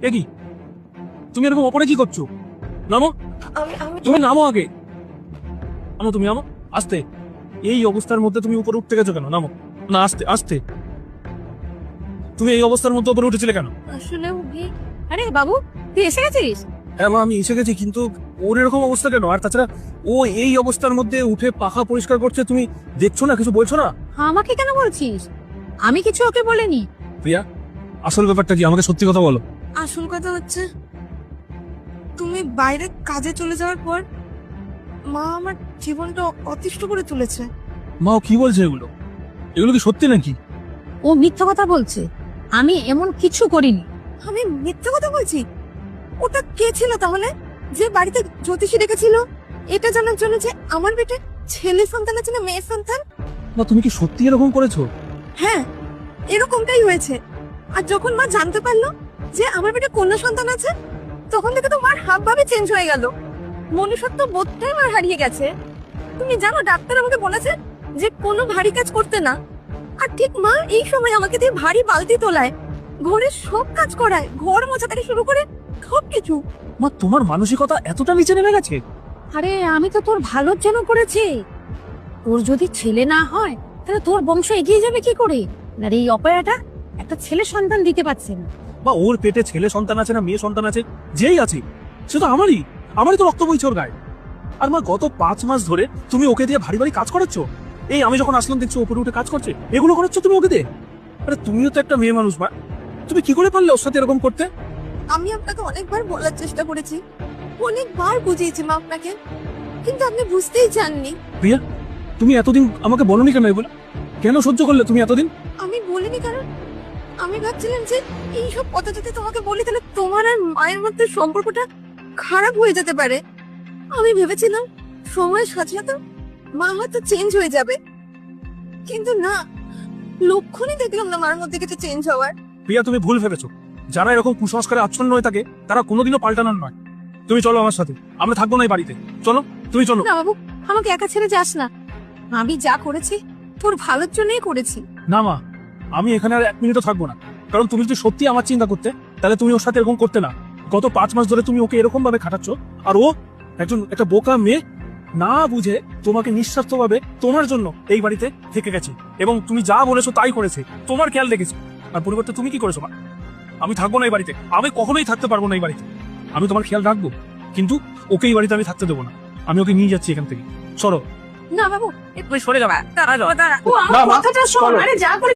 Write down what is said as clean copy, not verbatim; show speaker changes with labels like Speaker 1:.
Speaker 1: এ কি, তুমি এরকম ওপরে কি করছো? নামো,
Speaker 2: আমি
Speaker 1: তুমি নামো আগে। নামো, তুমি নামো আস্তে। এই অবস্থার মধ্যে তুমি উপরে উঠতে গেছো কেন? নামো না, আস্তে আস্তে। তুমি এই অবস্থার মধ্যে উপরে উঠেছিলে কেন?
Speaker 2: আসলে আরে বাবু, তুই এসে গেছিস?
Speaker 1: হ্যাঁ মা, আমি এসে গেছি, কিন্তু ওর এরকম অবস্থা কেন? আর তাছাড়া ও এই অবস্থার মধ্যে উঠে পাখা পরিষ্কার করছে, তুমি দেখছো না? কিছু বলছো না?
Speaker 2: আমাকে কেন বলছিস? আমি কিছু ওকে বলিনি।
Speaker 1: প্রিয়া, আসল ব্যাপারটা কি? আমাকে সত্যি কথা বলো।
Speaker 3: আসল কথা হচ্ছে, তুমি বাইরে কাজে চলে যাওয়ার পর মা আমার জীবনটা অতিষ্ঠ করে তুলেছে।
Speaker 1: মা, ও কি বলছে এগুলো? এগুলো কি সত্যি নাকি?
Speaker 2: ও মিথ্যা কথা বলছে। আমি এমন কিছু করিনি।
Speaker 3: আমি মিথ্যা কথা বলছি? ওটা কে ছিল তাহলে, যে বাড়িতে জ্যোতিষী রেখেছিল এটা জানার জন্য যে আমার পেটে ছেলে সন্তান আছে না মেয়ে সন্তান?
Speaker 1: মা, তুমি কি সত্যি এরকম করেছো?
Speaker 3: হ্যাঁ, এরকমটাই হয়েছে। আর যখন মা জানতে পারলো যে আমার পেটে কন্যা সন্তান আছে, তখন থেকে তো মার হাব ভাবে চেঞ্জ হয়ে গেল। মনুষ্যত্ব বোধটাই মার হারিয়ে গেছে। তুমি জানো, ডাক্তার আমাকে বলেছে যে কোনো ভারী কাজ করতে না। আর ঠিক মা এই সময় আমাকে দিয়ে ভারী বালতি তোলায়, ঘরের সব কাজ করায়, ঘর মোছা থেকে শুরু করে সবকিছু।
Speaker 1: মা, তোমার মানসিকতা এতটা নিচে নেমে গেছে?
Speaker 2: আরে আমি তো তোর ভালোর জন্য করেছি। তোর যদি ছেলে না হয় তাহলে তোর বংশ এগিয়ে যাবে কি করে? আর এই অপয়াটা একটা ছেলে সন্তান দিতে পারছে না।
Speaker 1: বা ওর পেটে ছেলে সন্তান আছে না মেয়ে সন্তান আছে, যেই আছে সে তো আমারই তো রক্ত বইছে ওর গায়ে। আর মা, গত 5 মাস ধরে তুমি ওকে দিয়ে ভারী ভারী কাজ করাচ্ছ। এই আমি যখন আসলাম দেখছি উপরে উঠে কাজ করছে, এগুলো করাচ্ছ তুমি ওকে দিয়ে। আরে তুমিও তো একটা মেয়ে মানুষ মা, তুমি কি করে পারলে ওর সাথে এরকম করতে?
Speaker 3: আমি আপনাকে অনেকবার বলার চেষ্টা করেছি, অনেকবার বুঝিয়েছি মা আপনাকে, কিন্তু আপনি বুঝতেই চাননি।
Speaker 1: প্রিয়া, তুমি এতদিন আমাকে বলনি কেন এগুলো? কেন সহ্য করলে তুমি এতদিন?
Speaker 3: আমি বলিনি কারণ আমি ভাবছিলাম যে এইসব কথা যদি তোমাকে বলি তাহলে তোমার আর মায়ের মধ্যে সম্পর্কটা খারাপ হয়ে যেতে পারে। আমি ভেবেছিলাম সময়ের সাথে সাথে মা হয়তো চেঞ্জ হয়ে যাবে, কিন্তু না, লক্ষণই দেখলাম না মার মধ্যে কিছু চেঞ্জ হওয়ার।
Speaker 1: প্রিয়া, তুমি ভুল ভেবেছো। যারা এরকম কুসংস্কারে আচ্ছন্ন হয়ে থাকে তারা কোনোদিনও পাল্টানোর নয়। তুমি চলো আমার সাথে, আমরা থাকবো না এই বাড়িতে। চলো, তুমি চলো।
Speaker 3: না বাবু, আমাকে একা ছেড়ে যাস না। আমি যা করেছি তোর ভালোর জন্যই করেছি।
Speaker 1: না মা, আমি এখানে আর 1 মিনিটও থাকবো না। কারণ তুমি যদি সত্যি আমার চিন্তা করতে, তাহলে তুমি ওর সাথে এরকম করতে না। গত 5 মাস ধরে তুমি ওকে এরকম ভাবে খাটাচ্ছ, আর ও একটা বোকা মেয়ে, না বুঝে তোমাকে নিঃস্বার্থভাবে তোমার জন্য এই বাড়িতে থেকে গেছে, এবং তুমি যা বলেছো তাই করেছে, তোমার খেয়াল রেখেছে। আর পরিবর্তে তুমি কি করেছো মা? আমি থাকবো না এই বাড়িতে, আমি কখনোই থাকতে পারবো না এই বাড়িতে। আমি তোমার খেয়াল রাখবো, কিন্তু ওকে এই বাড়িতে আমি থাকতে দেবো না। আমি ওকে নিয়ে যাচ্ছি এখান থেকে। সরো।
Speaker 3: না বাবু,
Speaker 1: তুমি সরে যাবে।
Speaker 3: ও আমার
Speaker 1: না, মা,
Speaker 3: কথাটা শোন।
Speaker 1: চলো।
Speaker 3: আরে যা করে